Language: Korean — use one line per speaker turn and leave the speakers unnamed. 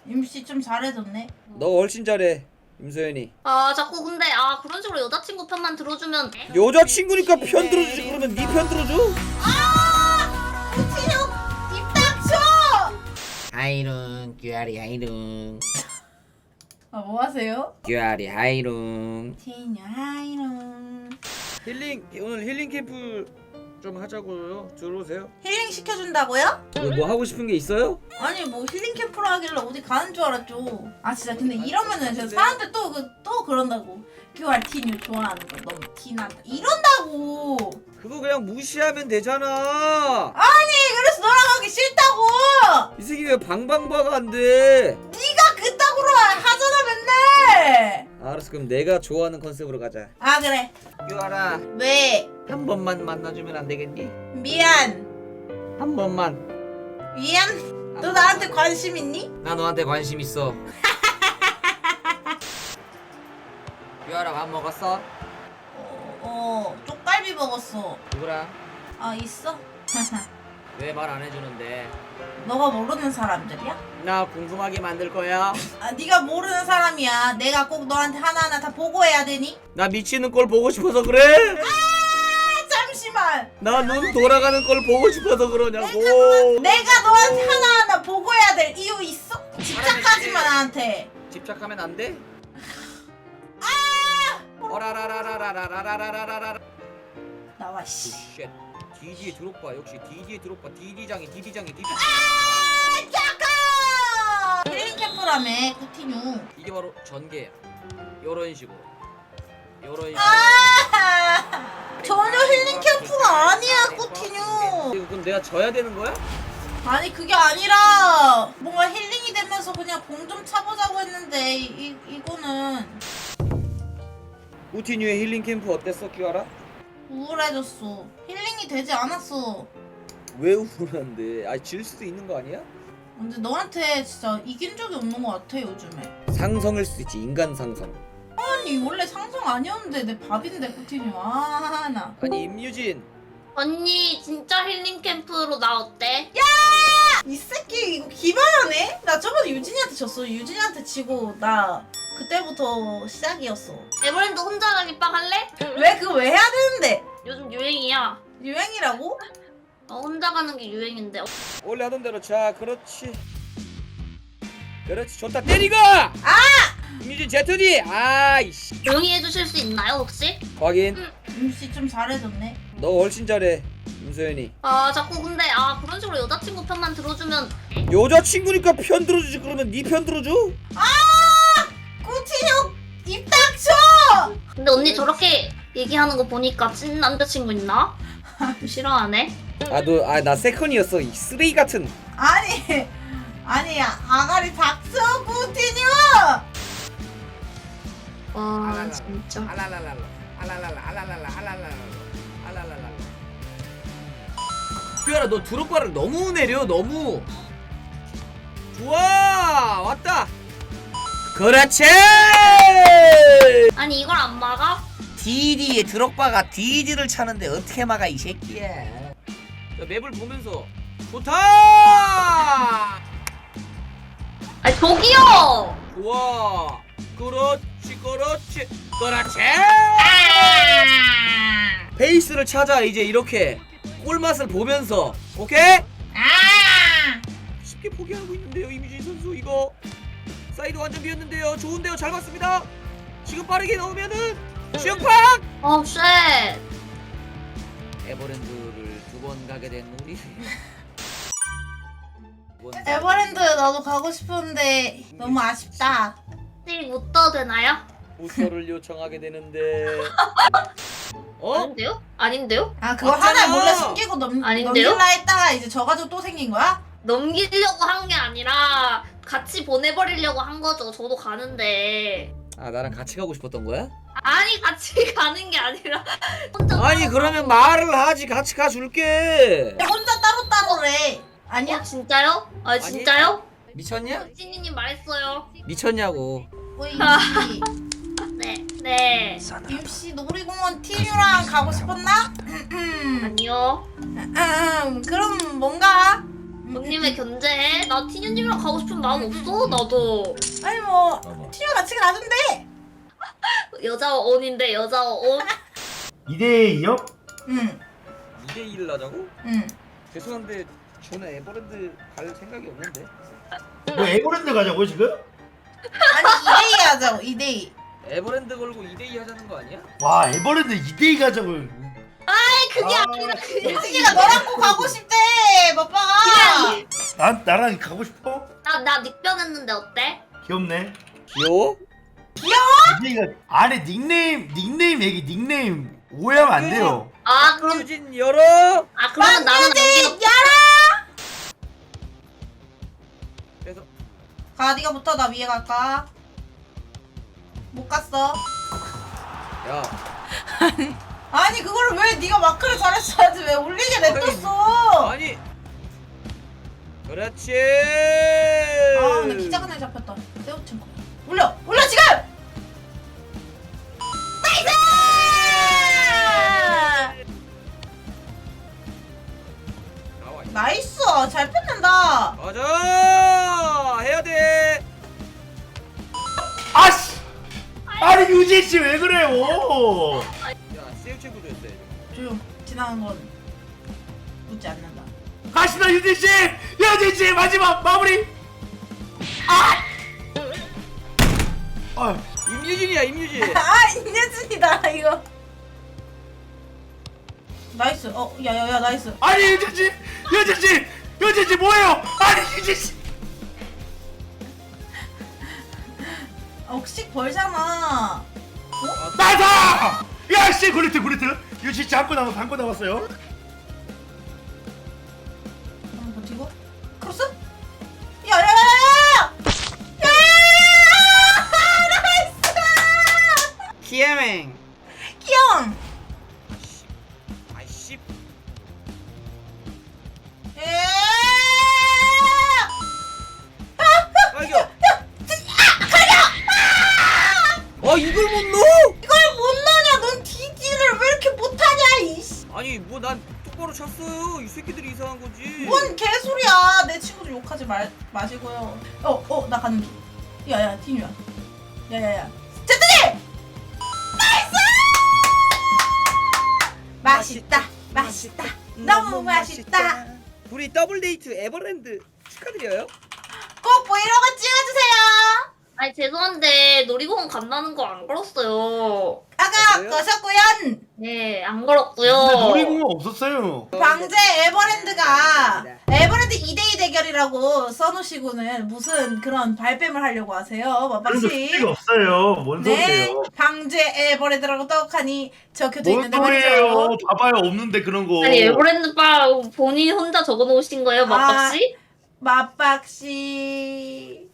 임씨 좀 잘해줬네.
너 훨씬 잘해 임소연이.
아 자꾸 근데 그런 식으로 여자친구 편만 들어주면
여자친구니까 편 들어주지. 그러면 네 편 들어줘?
구티뉴 입 닥쳐!
하이룽 규아리 하이룽
뭐 하세요?
규아리 하이룽.
티뉴 하이롱.
오늘 힐링 캠프 좀 하자고요. 들어오세요.
힐링 시켜준다고요?
뭐 하고 싶은 게 있어요?
아니 뭐 힐링 캠프로 하길래 어디 가는 줄 알았죠. 아 진짜 근데 이러면은 진짜 사람들 또 그런다고. QR 티뉴 좋아하는 거 너무 티난다 이런다고.
그거 그냥 무시하면 되잖아.
아니 그래서 너랑 하기 싫다고.
이 새끼 왜 방방바가 안 돼?
네가 그따구로 하잖아 맨날.
알았어, 그럼 내가 좋아하는 컨셉으로 가자.
아 그래.
규아라,
왜?
한 번만 만나주면 안 되겠니?
미안.
한 번만.
미안. 너 나한테 관심 있니?
나 너한테 관심 있어. 규아라, 밥 먹었어?
쪽갈비 먹었어.
누구랑?
아 있어?
왜 말 안 해주는데?
너가 모르는 사람들이야?
나 궁금하게 만들 거야.
아 네가 모르는 사람이야. 내가 꼭 너한테 하나하나 다 보고해야 되니?
나 미치는 걸 보고 싶어서 그래?
아 잠시만.
나 눈 돌아가는 걸 보고 싶어서 그러냐고.
내가 너한테 하나하나 보고해야 될 이유 있어? 집착하지 마 나한테.
집착하면 안 돼? 어라라라라라라라라라라라.
나와 씨.
쉣. DD에 드롭바. 역시 DD에 드롭바. DD장이.
잠깐! 힐링 캠프라며 쿠티뉴.
이게 바로 전개야. 요런 식으로.
전혀 힐링 캠프가 아니야 쿠티뉴.
이거 그럼 내가 져야 되는 거야?
아니 그게 아니라 뭔가 힐링이 되면서 그냥 공 좀 차보자고 했는데 이거는
우티뉴의 힐링 캠프 어땠어, 끼와라?
우울해졌어. 힐링이 되지 않았어.
왜 우울한데? 질 수도 있는 거 아니야?
근데 너한테 진짜 이긴 적이 없는 것 같아 요즘에.
상성일 수도 있지, 인간 상성.
아니 원래 상성 아니었는데 내 밥인데 쿠티뉴. 나.
아니 임유진,
언니 진짜 힐링 캠프로 나 어때?
이 새끼 이거 기발하네? 나 저번에 유진이한테 졌어. 유진이한테 지고 나 그때부터 시작이었어.
에버랜드 혼자 가기 빵 할래?
왜 그거 왜 해야 되는데?
요즘 유행이야.
유행이라고?
혼자 가는 게 유행인데.
원래 하던 대로. 자, 그렇지 좋다. 때리고! 임유진 제트디! 아이씨.
조용히 해주실 수 있나요 혹시?
확인.
임씨 좀 잘해줬네.
너 훨씬 잘해 임소연이.
자꾸 근데 그런 식으로 여자친구 편만 들어주면
여자친구니까 편 들어주지. 그러면 네 편 들어줘?
쿠티뉴 입 닥쳐!
근데 언니 저렇게 얘기하는 거 보니까 찐 남자친구 있나? 싫어하네.
나 세컨이었어, 이 쓰레기 같은.
아니 아가리 닥쳐 쿠티뉴!
와 진짜.
뼈라, 너 드롭바를 너무 내려. 너무 좋아. 왔다. 그렇지.
아니 이걸 안 막아?
DD에 드롭바가 DD를 차는데 어떻게 막아 이 새끼야. 자, 맵을 보면서 좋다.
아니 저기요!
좋아. 그렇지. 베이스를 찾아. 이제 이렇게 꿀맛을 보면서. 오케이? 쉽게 포기하고 있는데요 이미진 선수. 이거 사이드 완전 비었는데요. 좋은데요. 잘 봤습니다. 지금 빠르게 넣으면은 슈팍!
쉣!
에버랜드를 2번 가게 된 우리.
에버랜드 나도 가고 싶은데 너무 아쉽다.
혹시 못 떠도 되나요?
우서를 요청하게 되는데.
아닌데요? 아닌데요?
그거
맞잖아.
하나 몰래 숨기고
아닌데요?
넘길라 했다가 이제 져가지고 또 생긴 거야?
넘기려고 한 게 아니라 같이 보내버리려고 한 거죠. 저도 가는데.
나랑 같이 가고 싶었던 거야?
아니 같이 가는 게 아니라 혼자
아니
따로
그러면
가고.
말을 하지. 같이 가줄게.
혼자 따로따로래. 아니야?
진짜요? 진짜요?
미쳤냐?
찐이님 말했어요.
미쳤냐고.
임씨.
네.
임씨 놀이공원 티뉴랑 가고 싶었나?
아니요.
그럼 뭔가
본님의 견제해. 나 티뉴님이랑 가고 싶은 마음 없어. 나도
아니 뭐
봐봐.
티뉴 같이 놔둔대.
여자 어원인데 여자 어원.
2대2요?
응.
2대1 하자고?
응.
죄송한데 저는 에버랜드 갈 생각이 없는데.
뭐 에버랜드 가자고 지금?
아니 2대2 하자고 2대2.
에버랜드 걸고 2대2 하자는 거 아니야?
와 에버랜드 2대2 가자고.
그게
아,
아니라 그게
유진이가 너랑 꼭 가고 싶대. 빠빠.
나랑 가고 싶어?
나 닉변했는데 어때?
귀엽네.
귀여워?
2대2가 안에 닉네임 얘기 닉네임 오해하면 안 돼요.
아 그럼
유진 열어.
그러면 나는 안
유진
귀엽.
야라.
그래서
가 네가 붙어. 나 위에 갈까? 못 갔어.
야
아니 그거를 왜 네가 마크를 잘했어야지 왜 올리게 냅뒀어?
아니 그렇지.
아, 나 기자간에 잡혔다. 세우친 거야. 올려 지금! 나이스!
나와.
나이스! 잘 뺏는다.
맞아. 해야 돼.
아씨! 아니 유진 씨 왜 그래요?
야 세우체 구조였어.
조용. 지나간 건 묻지 않는다.
가시다 유진 씨! 유진 씨 마지막 마무리! 아!
임유진이야 임유진.
아, 인예준이다 이거. 나이스. 야야야 나이스.
아니 유진 씨! 유진 씨! 유진 씨 뭐예요? 아니 유진 씨!
억식 벌잖아.
나다! 야씨 굴리트 유진 씨 한 건 남았어요.
한번 버티고. 크로스? 야야야야야! 나이스!
키에맹.
귀여움.
아이씨.
예!
아이고. 이걸 못 넣어?
이걸 못 넣냐? 넌 DD를 왜 이렇게 못하냐? 이씨.
아니 뭐 난 똑바로 쳤어요. 이 새끼들이 이상한 거지.
뭔 개소리야? 내 친구들 욕하지 마시고요. 나 가는 길. 야야 티뉴야. 야야야. 제트님! 나이스! 맛있다. 너무 맛있다.
우리 더블 데이트 에버랜드 축하드려요.
꼭 브이로그 찍어주세요.
아니 죄송한데 놀이공원 간다는 거 안 걸었어요.
아까
그래요?
거셨구연.
네, 안
근데
걸었고요.
놀이공원 없었어요.
방제 에버랜드가 에버랜드 2대2 대결이라고 써놓으시고는 무슨 그런 발뺌을 하려고 하세요,
그런 거
마박씨.
필요 없어요. 뭔
네,
소리예요?
방제 에버랜드라고 떡하니 적혀져
뭔
있는데
소리예요?
말이죠.
봐봐요 없는데 그런 거.
아니 에버랜드 바 본인 혼자 적어놓으신 거예요, 마박씨?
마박씨.